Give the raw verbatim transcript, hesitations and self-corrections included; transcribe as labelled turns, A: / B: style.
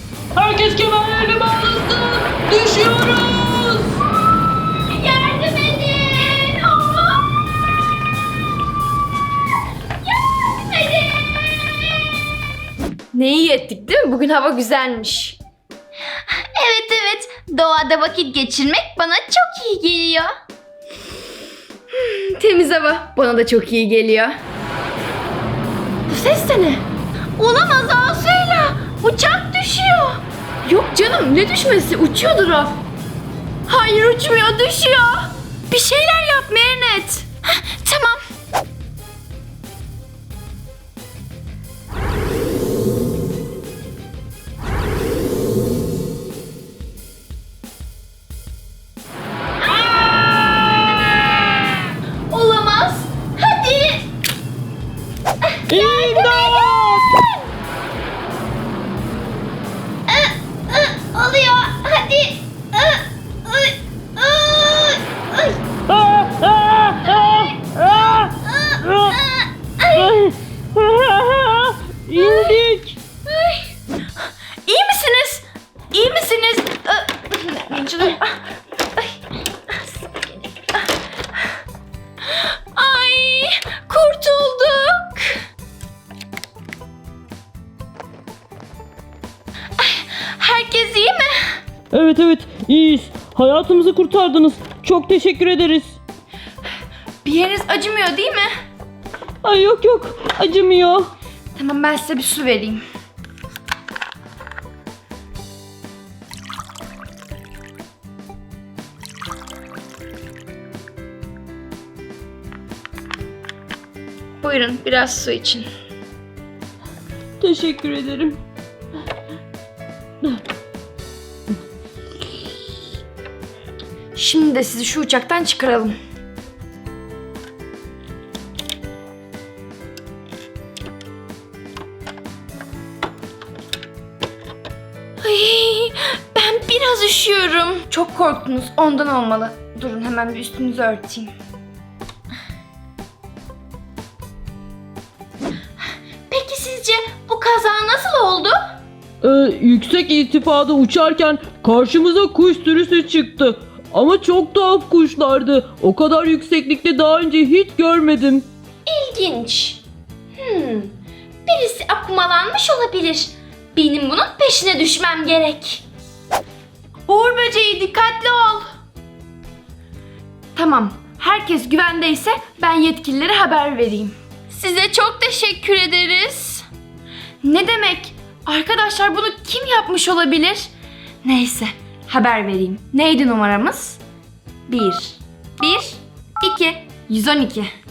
A: Herkes kemerlerini bağlasın. Düşüyoruz.
B: Yardım edin. Aa! Yardım edin.
C: Ne iyi ettik değil mi? Bugün hava güzelmiş.
B: Evet evet. Doğada vakit geçirmek bana çok iyi geliyor.
C: Temiz hava bana da çok iyi geliyor. Bu ses de ne?
B: Olamaz Asuyla. Uçak düşüyor.
C: Yok canım, ne düşmesi? Uçuyordur o. Hayır, uçmuyor, düşüyor. Bir şeyler yap Merinet.
B: Hah, tamam. Olamaz. Hadi.
A: İmdat!
B: Aa, aa, Oluyor. Hadi. Aa, ay, ay, ay,
A: Aa, aa, aa, aa,
B: aa, ay.
A: aa. İndik.
C: İyi misiniz? İyi misiniz? Ay, Ay, kurtulduk. Ay, herkes iyi mi?
A: Evet evet iyiyiz. Hayatımızı kurtardınız. Çok teşekkür ederiz.
C: Bir yeriniz acımıyor değil mi?
A: Ay yok yok acımıyor.
C: Tamam, ben size bir su vereyim. Buyurun, biraz su için.
A: Teşekkür ederim.
C: Şimdi de sizi şu uçaktan çıkaralım. Ay, ben biraz üşüyorum. Çok korktunuz, ondan olmalı. Durun, hemen bir üstünüzü örteyim.
B: Peki sizce bu kaza nasıl oldu?
A: Ee, yüksek irtifada uçarken karşımıza kuş sürüsü çıktı. Ama çok tuhaf kuşlardı. O kadar yükseklikte daha önce hiç görmedim.
B: İlginç. Hmm. Birisi akumalanmış olabilir. Benim bunun peşine düşmem gerek.
C: Uğur böceği, dikkatli ol. Tamam, herkes güvendeyse ben yetkililere haber vereyim.
B: Size çok teşekkür ederiz.
C: Ne demek? Arkadaşlar, bunu kim yapmış olabilir? Neyse, haber vereyim. Neydi numaramız? Bir. Bir, iki. yüz on iki.